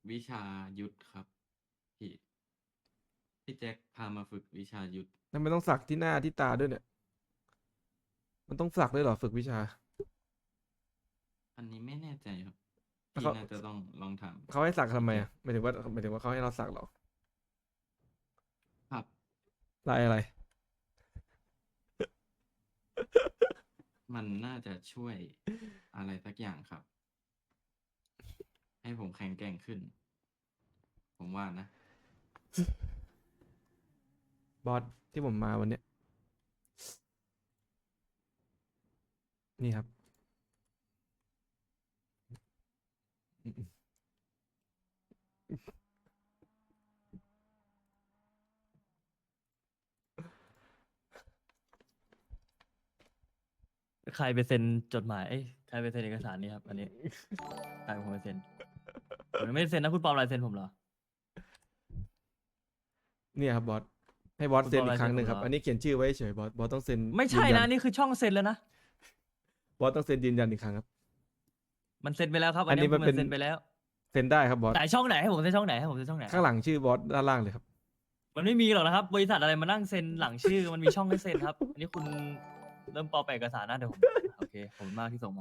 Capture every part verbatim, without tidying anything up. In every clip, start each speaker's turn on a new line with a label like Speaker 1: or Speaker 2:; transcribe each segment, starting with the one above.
Speaker 1: วิชายุทธครับพี่พี่แจ็คพามาฝึกวิชายุทธ
Speaker 2: นั่นไม่ต้องสักที่หน้าที่ตาด้วยเนี่ยมันต้องสักด้วยเหรอฝึกวิชา
Speaker 1: อันนี้ไม่แน่ใจครับ
Speaker 2: แล้วเขา
Speaker 1: พี่น่าจะต้องลองถาม
Speaker 2: เขาให้สักทำไม
Speaker 1: พี่แจ็ค
Speaker 2: อ่ะหมายถึงว่าหมายถึงว่าเขาให้เราสักเหรอ
Speaker 1: ครับ
Speaker 2: ลายอะไร
Speaker 1: มันน่าจะช่วยอะไรสักอย่างครับให้ผมแข็งแกร่งขึ้นผมว่านะ
Speaker 2: บอสที่ผมมาวันเนี้ยนี่ครับ
Speaker 3: ใครไปเซ็นจดหมายเอ้ยใครไปเซ็นเอกสารนี้ครับอันนี้ใครเป็นคนไปเซ็นผมยังไม่ได้เซ็นนะคุณปลอมลายเซ็นผมเหรอ
Speaker 2: เนี่ยครับบอสให้บอส
Speaker 3: คุณ
Speaker 2: เซ็นอีก
Speaker 3: ปลอมลายเซ็น
Speaker 2: ครั้งหนึ่งครับ
Speaker 3: ผมเหรอ
Speaker 2: อันนี้เขียนชื่อไว้เฉยบอสบอสต้องเซ็น
Speaker 3: ไม่
Speaker 2: ยืนยัน
Speaker 3: ใช่นะนี่คือช่องเซ็นแล้วนะ
Speaker 2: บอสต้องเซ็นยืนยันอีกครั้งครับ
Speaker 3: มันเซ็นไปแล้วครับ
Speaker 2: อั
Speaker 3: อันนี้มั
Speaker 2: นนี้มันเป็น
Speaker 3: นเซ็นไปแล้ว
Speaker 2: เซ็นได้ครับบอส
Speaker 3: ไหนช่องไหนให้ผมเซ็นช่องไหนให้ผมเซ็นช่องไหน
Speaker 2: ข้างหลังชื่อบอสด้านล่างเลยครับ
Speaker 3: มันไม่มีหรอกนะครับบริษัทอะไรมานั่งเซ็นหลังชื่อมันมีช่องให้เซ็นครับอันนี้คุณเริ่มปลอมแปลงเอกสารนะเดี๋ยวผมโอเคขอบคุณมากที่ส่งมา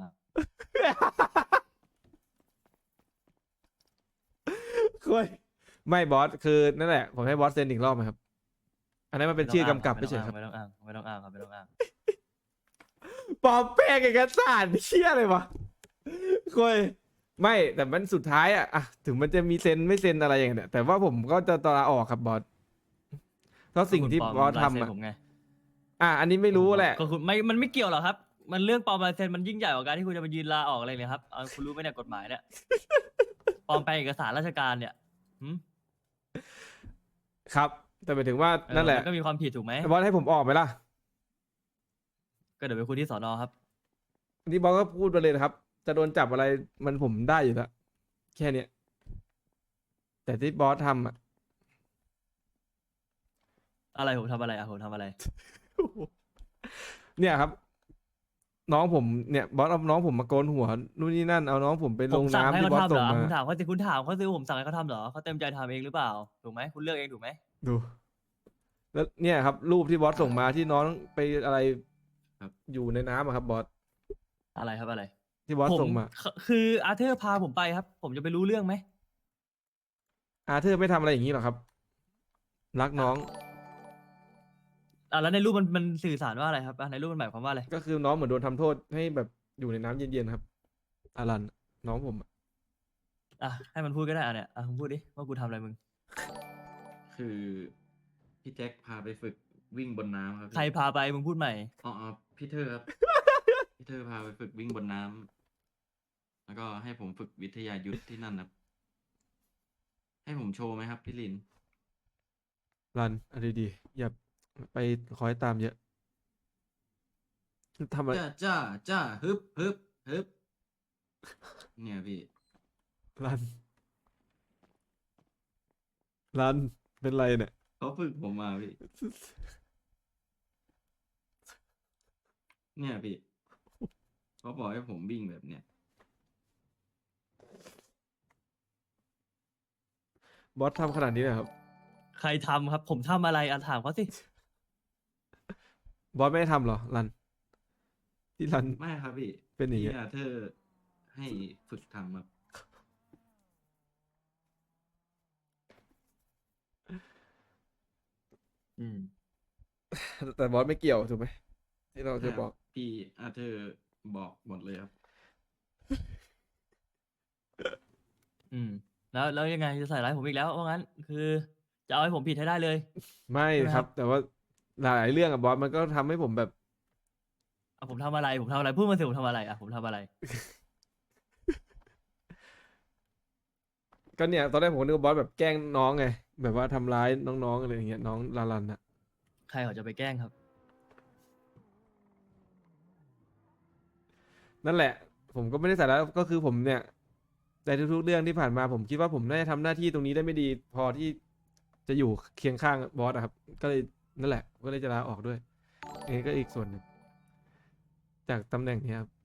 Speaker 2: คุยไม่บอสคือนั่นแหละผมให้บอสเซ็นอีกรอบไหมครับอันนั้นมันเป็นชื่อกำกับไม่ใช่ครับ
Speaker 3: ไม่ต้องอ้างไม่ต้องอ้างครับไม่ต้องอ้าง
Speaker 2: ปลอมแป้งเอกสารเชี่ยอะไรวะคุยไม่แต่มันสุดท้ายอะอะถึงมันจะมีเซ็นไม่เซ็นอะไรอย่างเงี้ยแต่ว่าผมก็จะตลาออกครับบอสเพราะสิ่งที่บอสทำอะ
Speaker 3: ผมไง
Speaker 2: อ่ะอันนี้ไม่รู้แหละ
Speaker 3: ก็คุณไม่มันไม่เกี่ยวหรอกครับ มันเรื่องปลอมลายเซ็นมันยิ่งใหญ่กว่าการที่คุณจะมายืนลาออกอะไรเลยครับเอาคุณรู้ไหมเนี่ยกฎหมายเนี่ยปลอมแปลงเอกสารราชการเนี่ยหืม
Speaker 2: ครับ แต่หมายถึงว่า
Speaker 3: เออ
Speaker 2: นั่นแหละ
Speaker 3: มันก็มีความผิดถูกไหม
Speaker 2: บอสให้ผมออกไหมล่ะ
Speaker 3: ก็เดี๋ยวไปคุยที่สอนอครับ
Speaker 2: อันนี้บอสก็พูดไปเลยนะครับ จะโดนจับอะไรมันผมได้อยู่แล้วแค่เนี้ยแต่ที่บอสทำอะ
Speaker 3: อะไรผมทำอะไรอ่ะผมทำอะไร
Speaker 2: เนี่ยครับ น้องผมเนี่ยบอสเอาน้องผมมาโกนหัวนู่นนี่นั่นเอาน้องผมไปลง
Speaker 3: ผมสั่งให้
Speaker 2: น้ำที่
Speaker 3: เขาทำเหรอ
Speaker 2: บอสส่งมา
Speaker 3: คุณถามเขาสิคุณถามเขาสิผมสั่งให้เขาทำเหรอเขาเต็มใจทำเองหรือเปล่าถูกไหมคุณเลือกเองถูกไหม
Speaker 2: ดูแล้วเนี่ยครับรูปที่บอสส่งมาที่น้องไปอะไร
Speaker 1: ครับ
Speaker 2: อยู่ในน้ำอะครับบอส
Speaker 3: อะไรครับอะไร
Speaker 2: ที่บอส
Speaker 3: ผม
Speaker 2: ส่งมา
Speaker 3: คืออาร์เธอร์พาผมไปครับ ผมจะไปรู้เรื่องไหม
Speaker 2: อาเธอร์ไม่ทำอะไรอย่างนี้หรอกครับรักน้อง
Speaker 3: อ่ะแล้วในรูปมันมันสื่อสารว่าอะไรครับอ่ะในรูปมันหมายความว่าอะไร
Speaker 2: ก็คือน้องเหมือนโดนทำโทษให้แบบอยู่ในน้ำเย็นๆครับอารันน้องผมอะ
Speaker 3: อ่ะให้มันพูดก็ได้อ่ะเนี่ยอ่ะมึงพูดดิว่ากูทำอะไรมึง
Speaker 1: คือพี่แจ็คพาไปฝึกวิ่งบนน้ำครับ
Speaker 3: ใคร
Speaker 1: พี่
Speaker 3: พาไปมึงพูดใหม่
Speaker 1: อ๋ออ๋อพี่เธอครับพี่เธอพาไปฝึกวิ่งบนน้ำแล้วก็ให้ผมฝึกวิทยายุทธที่นั่นครับให้ผมโชว์ไหมครับพี่ลิน
Speaker 2: รันเอะไรดีๆอย่าไปคอยตามเยอะทำอะไร
Speaker 1: จ้าจ้าจ้าฮึบฮึบฮึบเนี่ยพี่
Speaker 2: รันรันเป็นไรเนี่ย
Speaker 1: เขาฝึกผมมาพี่เนี่ยพี่เขาบอกให้ผมวิ่งแบบเนี้ย
Speaker 2: บอสทำขนาดนี้เลยครับ
Speaker 3: ใครทำครับ ผมทำอะไรอ่ะถามเขาสิ
Speaker 2: บอสไม่ได้ทำเหรอรันที่รัน
Speaker 1: ไม่ครับพี่พี่
Speaker 2: เป็นอย่างเงี้ย
Speaker 1: อาเธอร์ให้ฝึกทำครับ
Speaker 3: อืม
Speaker 2: แต่บอสไม่เกี่ยวถูกไหมที่เรา
Speaker 1: ใช่ครับ
Speaker 2: จะบอก
Speaker 1: พี่อาเธอร์บอกหมดเลยครับ
Speaker 3: อืมแล้วแล้วยังไงจะใส่ร้ายผมอีกแล้วว่างั้นคือจะเอาให้ผมผิดให้ได้เลย
Speaker 2: ไม่
Speaker 3: ใช่ไหมครับ
Speaker 2: ครับแต่ว่าหลายๆเรื่องอะบอสมันก็ทำให้ผมแบบ
Speaker 3: อ่ะผมทำอะไรผมทำอะไรพูดมาสิผมทำอะไรอ่ะผมทำอะไร
Speaker 2: ก็เนี่ยตอนแรกผมนึกว่าบอสแบบแกล้งน้องไงแบบว่าทำร้ายน้องๆอะไรอย่างเงี้ยน้องลาลันอะ
Speaker 3: ใครเขาจะไปแกล้งครับ
Speaker 2: นั่นแหละผมก็ไม่ได้ใส่แล้วก็คือผมเนี่ยในทุกๆเรื่องที่ผ่านมาผมคิดว่าผมน่าจะทำหน้าที่ตรงนี้ได้ไม่ดีพอที่จะอยู่เคียงข้างบอสอะครับก็เลยนั่นแหละก็เลยจะลาออกด้วยอันนี้ก็อีกส่วนหนึ่งจากตำแหน่งเนี้ยครับ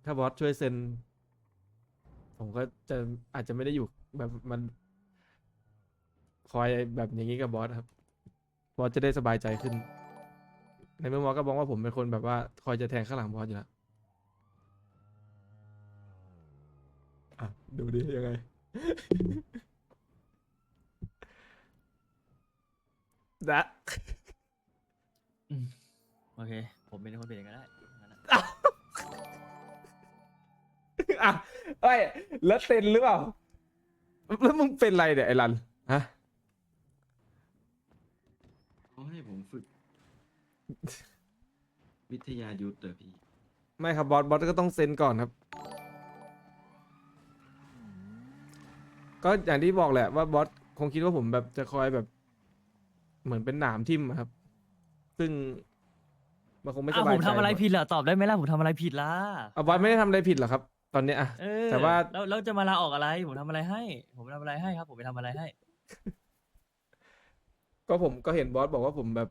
Speaker 2: ถ้าบอสช่วยเซ็น ผมก็จะอาจจะไม่ได้อยู่แบบมันคอยแบบอย่างนี้กับบอสครับบอสจะได้สบายใจขึ้น ในเมื่อบอสก็บอกว่าผมเป็นคนแบบว่าคอยจะแทงข้างหลังบอสอยู่แล้วอ่ะดูดิยังไง นะ
Speaker 3: อืมโอเค ผมเป็นคนเปลี่ยนก็ได้งั้นอะ
Speaker 2: อ่ะเอ้ยแล้วเซ็นหรือเปล่า แล้วมึงเป็นไรเนี่ยไอ้รันฮะ
Speaker 1: เขาให้ผมฝึก วิทยายุทธ์เหรอพี่
Speaker 2: ไม่ครับบอสบอสก็ต้องเซ็นก่อนครับ ก็อย่างที่บอกแหละว่าบอสคงคิดว่าผมแบบจะคอยแบบ เหมือนเป็นหนามทิ่มอะครับ ซึ่งมันคงไม่ส
Speaker 3: อ้าว
Speaker 2: บา
Speaker 3: ผ
Speaker 2: ย
Speaker 3: ม
Speaker 2: ใจ
Speaker 3: ทำอะไร
Speaker 2: บส
Speaker 3: ผิดเหรอตอบได้ไหมล่ะผมทำอะไรผิดล่ะ
Speaker 2: อ่ะบอสไม่ได้ทำอะไรผิดหรอกครับ ตอนเนี้ยอะ
Speaker 3: เออ
Speaker 2: แต่ว่า
Speaker 3: แล้วแล้วจะมาลาออกอะไร ผมทำอะไรให้ ผมทำอะไรให้ครับ ผมไปทำอะไรให้
Speaker 2: ก็ผมก็เห็นบอสบอกว่าผมแบบ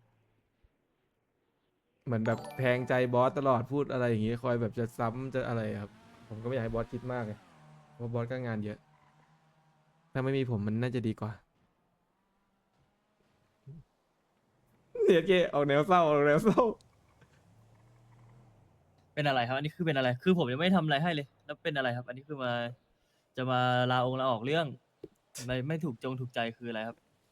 Speaker 2: เหมือนแบบแทงใจบอสตลอดพูดอะไรอย่างงี้คอยแบบจะซ้ำจะอะไรครับ ผมก็ไม่อยากให้บอสคิดมากไงเพราะบอสก็งานเยอะ ถ้าไม่มีผมมันน่าจะดีกว่าเนี่ยเกออกแนวเศร้าออกแนวเศร้า
Speaker 3: เป็นอะไรครับ อันนี้คือเป็นอะไร คือผมยังไม่ทำอะไรให้เลย แล้วเป็นอะไรครับ อันนี้คือมา จะมาลาองค์ลาออกเรื่อง ไม่ไม่ถูกจงถูกใจคืออะไรครับ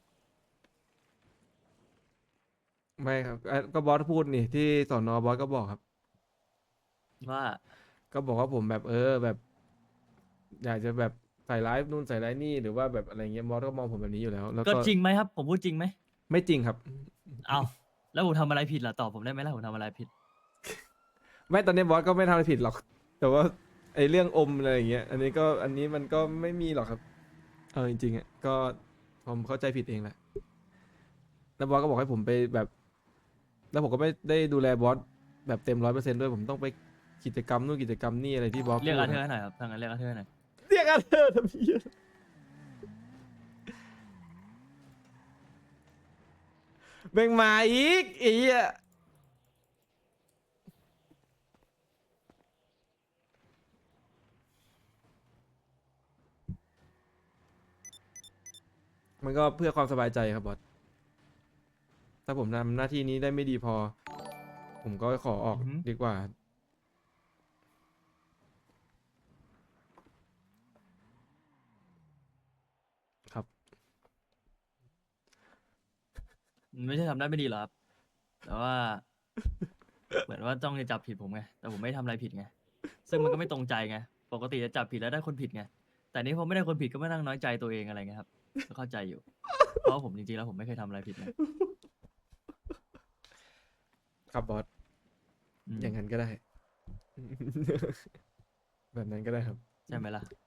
Speaker 2: ไม่ครับเอ่อก็บอสพูดนี่ที่สอนอบอสก็บอกครับ
Speaker 3: ว่า
Speaker 2: ก็บอกว่าผมแบบเออแบบ อยากจะแบบใส่ร้ายนู่นใส่ร้ายนี่หรือว่าแบบอะไรเงี้ยบอสก็มองผมแบบนี้อยู่แล้ว แล้ว
Speaker 3: ก็
Speaker 2: ก็
Speaker 3: จริงไหมครับ ผมพูดจริงไหม
Speaker 2: ไม่จริงครับ
Speaker 3: เอาแล้วผมทำอะไรผิดล่ะตอบผมได้ไหมล่ะผมทำอะไรผิด
Speaker 2: ไม่ตอนนี้บอสก็ไม่ทำอะไรผิดหรอก แต่ว่าไอ้เรื่องอมอะไรอย่างเงี้ย อันนี้ก็อันนี้มันก็ไม่มีหรอกครับ เออจริงๆอ่ะก็ผมเข้าใจผิดเองแหละ แล้วบอสก็บอกให้ผมไปแบบ แล้วผมก็ไม่ได้ดูแลบอสแบบเต็มร้อยเปอร์เซ็นต์ด้วยผมต้องไปกิจกรรมนู่นกิจกรรมนี่อะไรที่บอส
Speaker 3: เรียก
Speaker 2: พู
Speaker 3: อา
Speaker 2: ด
Speaker 3: เธอร์
Speaker 2: อะ
Speaker 3: ให้หน่อยครับทางนั้นเรียกอาเธอร์ให้หน่อย
Speaker 2: เรียกอาเธอร์ทำไมอะแบ่งมาอีกไอ้เหี้ยมันก็เพื่อความสบายใจครับบอส ถ้าผมทำหน้าที่นี้ได้ไม่ดีพอ ผมก็ขอออก
Speaker 3: อือหือ
Speaker 2: ดีกว่า ครับ
Speaker 3: มันไม่ใช่ทำได้ไม่ดีหรอกครับ แต่ว่า เหมือนว่าต้องจะจับผิดผมไง แต่ผมไม่ทำอะไรผิดไง ซึ่งมันก็ไม่ตรงใจไง ปกติจะจับผิดแล้วได้คนผิดไง แต่นี้ผมไม่ได้คนผิดก็ไม่นั่งน้อยใจตัวเองอะไรเงี้ยครับก็เข้าใจอยู่ เพราะว่าผมจริงๆแล้วผมไม่เคยทำอะไรผิดไง
Speaker 2: ครับบอส
Speaker 3: อืม
Speaker 2: อย่างนั้นก็ได้ แบบนั้นก็ได้ครับ
Speaker 3: ใช่ไหมล่ะ